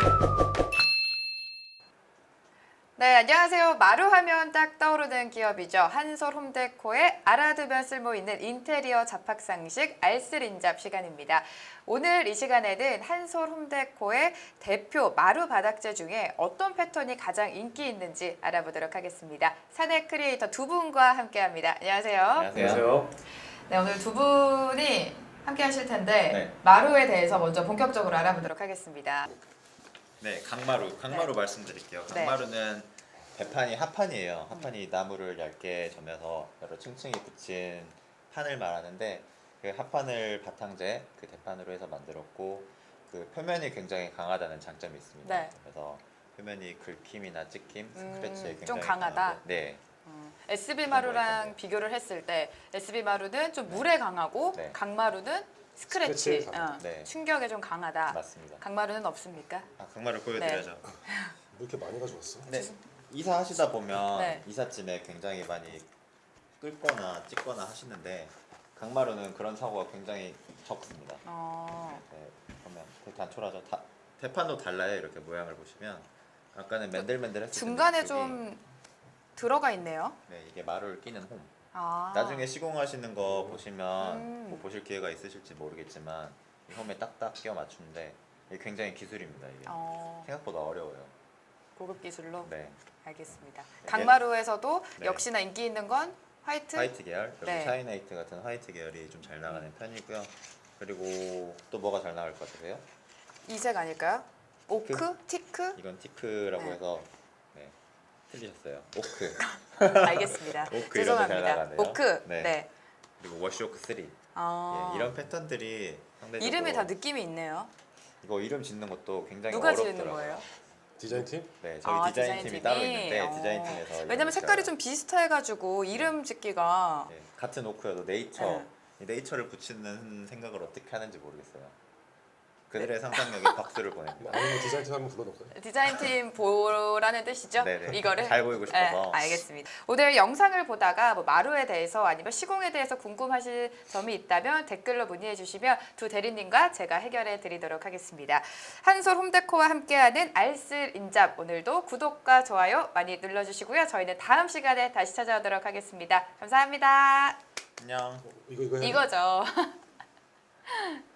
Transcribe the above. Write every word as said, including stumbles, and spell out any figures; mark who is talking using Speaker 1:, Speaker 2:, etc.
Speaker 1: 네, 안녕하세요. 마루하면 딱 떠오르는 기업이죠. 한솔 홈데코의 알아두면 쓸모 있는 인테리어 잡학상식 알쓸인잡 시간입니다. 오늘 이 시간에는 한솔 홈데코의 대표 마루 바닥재 중에 어떤 패턴이 가장 인기 있는지 알아보도록 하겠습니다. 사내 크리에이터 두 분과 함께합니다. 안녕하세요.
Speaker 2: 안녕하세요.
Speaker 1: 네, 오늘 두 분이 함께 하실 텐데
Speaker 2: 네.
Speaker 1: 마루에 대해서 먼저 본격적으로 알아보도록 하겠습니다.
Speaker 2: 네, 강마루. 강마루
Speaker 1: 네.
Speaker 2: 말씀드릴게요.
Speaker 1: 네.
Speaker 2: 강마루는 배판이 합판이에요. 합판이 나무를 얇게 점여서 여러 층층이 붙인 판을 말하는데 그 합판을 바탕재 그 대판으로 해서 만들었고 그 표면이 굉장히 강하다는 장점이 있습니다.
Speaker 1: 네.
Speaker 2: 그래서 표면이 긁힘이나 찍힘,
Speaker 1: 음,
Speaker 2: 스크래치에 굉장히
Speaker 1: 좀 강하다?
Speaker 2: 강하고, 네.
Speaker 1: 음, 에스비 마루랑
Speaker 2: 있던데.
Speaker 1: 비교를 했을 때 에스비 마루는 좀 물에 강하고
Speaker 2: 네.
Speaker 1: 강마루는 스크래치,
Speaker 3: 스크래치에
Speaker 1: 어,
Speaker 3: 강하다.
Speaker 2: 네.
Speaker 1: 충격에 좀 강하다.
Speaker 2: 맞습니다.
Speaker 1: 강마루는 없습니까?
Speaker 2: 아, 강마루 보여드려야죠.
Speaker 3: 왜 이렇게 많이 가져왔어?
Speaker 2: 네. 이사 하시다 보면
Speaker 1: 네.
Speaker 2: 이삿짐에 굉장히 많이 끌거나 찍거나 하시는데 강마루는 그런 사고가 굉장히 적습니다.
Speaker 1: 어,
Speaker 2: 네, 보면 되게 단촐하죠. 다, 대판도 달라요. 이렇게 모양을 보시면 아까는 맨들맨들했을
Speaker 1: 중간에
Speaker 2: 텐데 이쪽이,
Speaker 1: 좀 들어가 있네요.
Speaker 2: 네, 이게 마루를 끼는 홈.
Speaker 1: 아,
Speaker 2: 나중에 시공하시는 거 보시면
Speaker 1: 음.
Speaker 2: 뭐 보실 기회가 있으실지 모르겠지만 이 홈에 딱딱 끼워 맞추는데 이게 굉장히 기술입니다. 이게
Speaker 1: 어,
Speaker 2: 생각보다 어려워요.
Speaker 1: 고급 기술로
Speaker 2: 네,
Speaker 1: 알겠습니다.
Speaker 2: 네.
Speaker 1: 강마루에서도
Speaker 2: 네.
Speaker 1: 역시나 인기 있는 건 화이트.
Speaker 2: 화이트 계열, 여기
Speaker 1: 네.
Speaker 2: 샤이나이트 같은 화이트 계열이 좀 잘 나가는 편이고요. 그리고 또 뭐가 잘 나갈 것 같으세요?
Speaker 1: 이색 아닐까요? 오크, 티크.
Speaker 2: 이건 티크라고
Speaker 1: 네.
Speaker 2: 해서 네, 틀리셨어요. 오크.
Speaker 1: 알겠습니다.
Speaker 2: 오크 이런 게 잘
Speaker 1: 죄송합니다.
Speaker 2: 나가네요.
Speaker 1: 오크.
Speaker 2: 네.
Speaker 1: 네.
Speaker 2: 그리고 워시오크 쓰리.
Speaker 1: 어,
Speaker 2: 예, 이런 패턴들이 상대적으로
Speaker 1: 이름이 다 느낌이 있네요.
Speaker 2: 이거 이름 짓는 것도 굉장히
Speaker 1: 누가
Speaker 2: 어렵더라고요.
Speaker 1: 지는 거예요?
Speaker 3: 디자인팀?
Speaker 2: 네, 저희
Speaker 1: 아,
Speaker 2: 디자인 팀이 따로 있는데
Speaker 1: 어.
Speaker 2: 디자인 팀에서
Speaker 1: 왜냐면
Speaker 2: 이름을
Speaker 1: 색깔이
Speaker 2: 지어요.
Speaker 1: 좀 비슷해가지고 이름 짓기가
Speaker 2: 네, 같은 오크여도 네이처
Speaker 1: 네.
Speaker 2: 이 네이처를 붙이는 생각을 어떻게 하는지 모르겠어요. 그들의
Speaker 1: 네.
Speaker 2: 상상력에 박수를 보냅니다.
Speaker 3: 아니면 디자인팀 한번 불러놓을까요?
Speaker 1: 디자인팀 보라는 뜻이죠?
Speaker 2: 네네.
Speaker 1: 이거를
Speaker 2: 잘 보이고 싶어서.
Speaker 1: 네, 알겠습니다. 오늘 영상을 보다가 뭐 마루에 대해서 아니면 시공에 대해서 궁금하신 점이 있다면 댓글로 문의해 주시면 두 대리님과 제가 해결해 드리도록 하겠습니다. 한솔 홈데코와 함께하는 알쓸인잡, 오늘도 구독과 좋아요 많이 눌러주시고요. 저희는 다음 시간에 다시 찾아오도록 하겠습니다. 감사합니다.
Speaker 2: 안녕.
Speaker 3: 이거 이거 해야 돼?
Speaker 1: 이거죠.